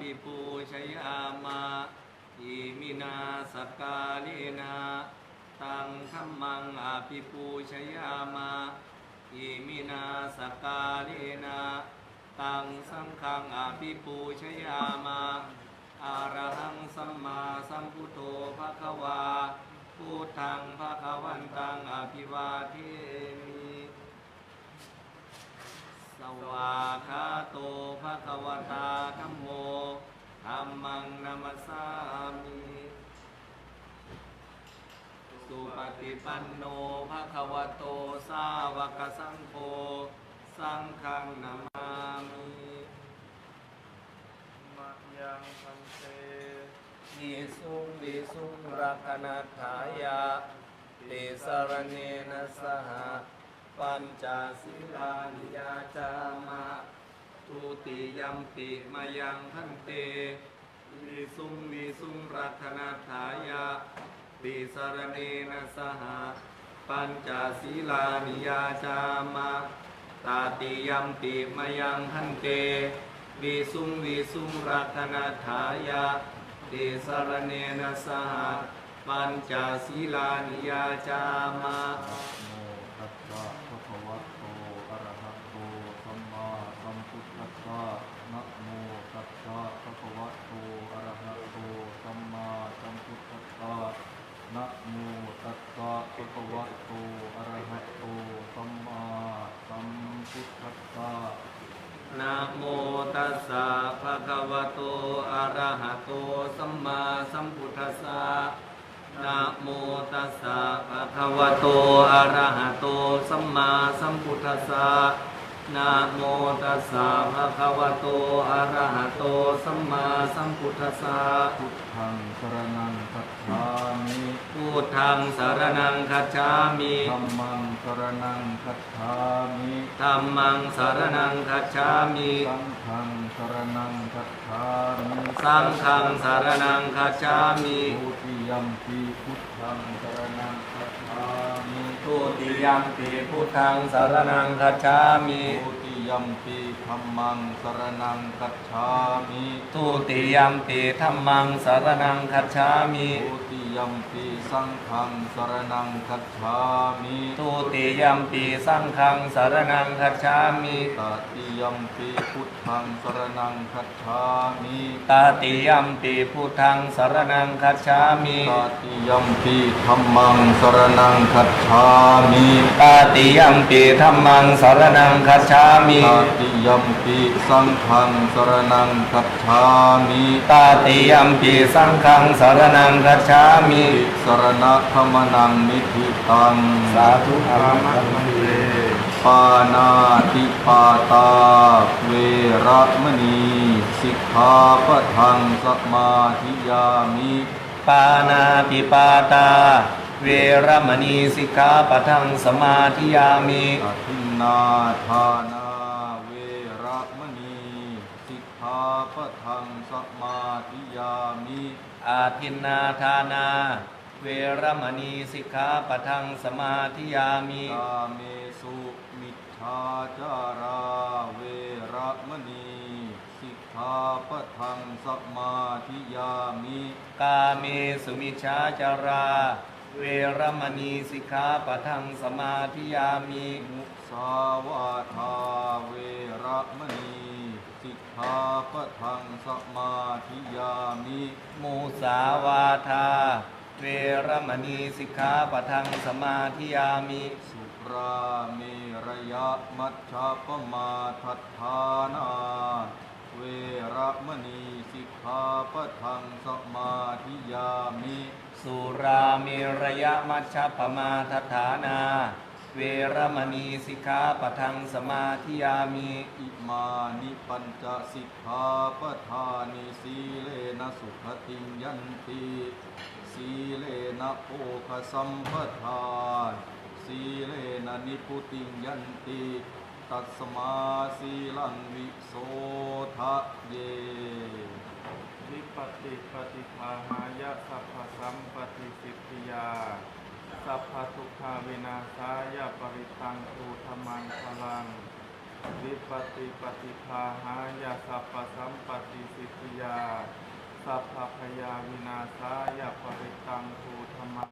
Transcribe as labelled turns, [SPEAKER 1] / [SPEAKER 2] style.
[SPEAKER 1] ภิปูชยามะอิมินาสกาเลนะตังธัมมังอภิปูชยามะอิมินาสกาเลนะตังสังฆังอภิปูชยามะอะระหังสัมมาสัมพุทโธภควาพุทธังภควันตังอภิวาเทมิสวากขาโตภควตาธัมโมธัมมังนัมสสามิสุปฏิปันโนภควโตสาวกสังโฆสังฆังนามามิมะยังพันเตวิสุงรักนัฏฐายะติสรณเนนะสหปัญจศีลานิยาจามะทุติยัมปิมายังพันเตวิสุงรักนัฏฐายะติสรณเนนะสหปัญจศีลานิยาจามะตาติยัมปิมายังพันเตวิสุงรักนัฏฐายะติสรณเนนะสหปัญจศีลานิยาจามะ
[SPEAKER 2] ตัสสะภะคะวะโตอะระหะโตสัมมาสัมพุทธัสสะนะโมตัสสะภะคะวะโตอะระหะโตสัมมาสัมพุทธัสสะนะโมตัสสะภะคะวะโตอะระหะโตสัมมาสัมพุทธัสสะ
[SPEAKER 1] นะโมตัสสะภะคะวะโตอะระหะโตสัมมาสัมพุทธัสสะนะโมตัสสะภะคะวะโตอะระหะโตสัมมาสัมพุทธัสสะนะโมตัสสะภะคะวะโตอะระหะโตสัมมาสัมพุทธัสสะ
[SPEAKER 2] พุทธังสรณังคัจฉามิ
[SPEAKER 1] พุทธังสรณังคัจฉามิ
[SPEAKER 2] ธัมมังสรณังคัจฉามิ
[SPEAKER 1] ธัมมังสรณังคัจฉามิ
[SPEAKER 2] สังฆังสรณังคัจฉามิ
[SPEAKER 1] สังฆังสรณังคัจฉามิ
[SPEAKER 2] ทุติยัมปิพุทธังสรณังคัจฉามิ
[SPEAKER 1] ทุติยัมปิพุทธังสรณังคัจฉามิ
[SPEAKER 2] ทุติยัมปิธัมมังสรณังคัจฉามิ
[SPEAKER 1] ทุติยัมปิธัมมังสรณังคัจฉามิ
[SPEAKER 2] ทุติยัมปิสังฆังสรณังคัจฉามิ
[SPEAKER 1] ทุติยัมปิสังฆังสรณังคัจฉามิ
[SPEAKER 2] ตติยัมปิพุทธังสรณังคัจฉามิ
[SPEAKER 1] ตติยัมปิพุทธังสรณังคัจฉามิ
[SPEAKER 2] ตติยัมปิธัมมังสรณังคัจฉามิ
[SPEAKER 1] ตติยัมปิธัมมังสรณังคัจฉามิ
[SPEAKER 2] ตติยัมปิสังฆังสรณังคัจฉามิ
[SPEAKER 1] ตติยัมปิสังฆังสรณังคัจฉามิ
[SPEAKER 2] สรณะธรรมนังนิธิตัง
[SPEAKER 1] สาธุอรหันตุเต
[SPEAKER 2] ปานาติปาตาเวระมณีสิกขาปะทังสมาธิยามิ
[SPEAKER 1] ปานาติปาตาเวรมณีสิกขาปะทังสมาธิยามิ
[SPEAKER 2] อทินนาทานาเวระมณีสิกขาปะทังสมาธิยามิ
[SPEAKER 1] อาทินนาทานาเวรมณีสิกขาปะทังสมาธิยามิ
[SPEAKER 2] กาเมสุมิจฉาจาราเวระมณีสิกขาปะทังสมาธิยามิ
[SPEAKER 1] กาเมสุมิจฉาจาราเวรมณีสิกขาปะทังสมาธิยามิ
[SPEAKER 2] มุสาวาทาเวระมณีสิกขาปะทังสมาธิยามิ
[SPEAKER 1] มุสาวาทาเวรมณีสิกขาปะทังสมาธิยามิ
[SPEAKER 2] สุราเมรยะมัชฌัปมาทัฏฐานาเวระมณีสิกขาปะทังสมาธิยามิ
[SPEAKER 1] สุราเมรยะมัชฌัปมาทัฏฐานาเวรมณีสิกขาปะทังสมาธิยามิ
[SPEAKER 2] อิมานิปัญจสิกขาปทานิสีเลนะสุขติยันติสีเลนะโภคสัมปทาสีเลนะนิพุติยันติตัสมาสีลังวิโสทะเย
[SPEAKER 3] วิปติปฏิภาหายะสัพพสัมปติสิทธิยาสัพพทุกขาวินาศายะปริตังตุธรรมังพลังวิปัสสิปฏิภาหายาสัพพสัมปติสิทธิยาสัพพพยาวินาศายาปริตังภูธรรม